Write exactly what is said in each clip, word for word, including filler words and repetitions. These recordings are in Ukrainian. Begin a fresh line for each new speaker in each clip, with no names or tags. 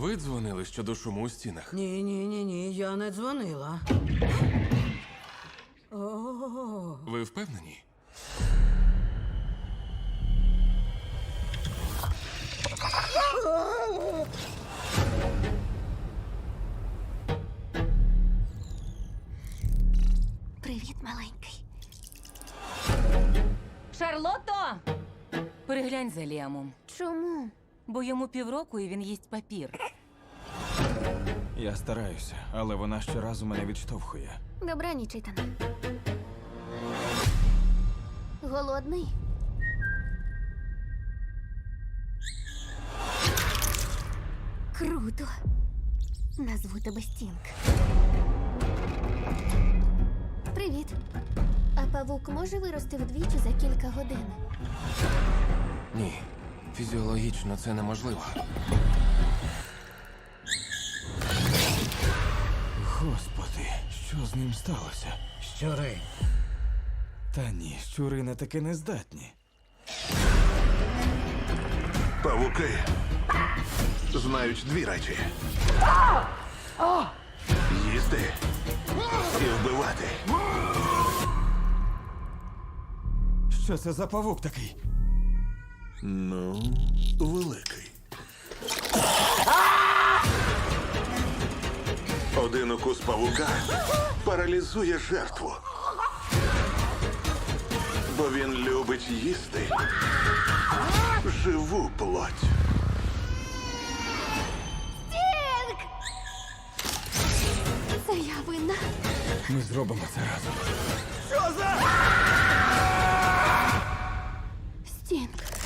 Ви дзвонили щодо шуму у стінах?
Ні, ні, ні, ні, я не дзвонила. О,
Ви впевнені?
Привіт, маленький.
Шарлотто! Переглянь за Ліамом,
Чому?
бо йому півроку і він їсть папір.
Я стараюся, але вона щоразу мене відштовхує.
Добраніч, Ітане. Голодний? Круто. Назву тебе Стінг. Привіт. А павук може вирости вдвічі за кілька годин?
Ні. Фізіологічно це неможливо.
Господи, що з ним сталося?
щури.
Та ні, щури на таке не здатні.
Павуки знають дві речі: їсти і вбивати.
Що це за павук такий?
Ну, великий. Один укус павука паралізує жертву. Бо він любить їсти живу плоть.
Стінг! Це я винна.
Ми зробимо це разом.
Стінг.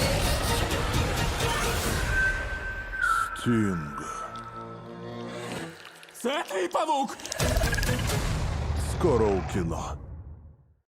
Стінг.
Це твій павук!
Скоро у кіно.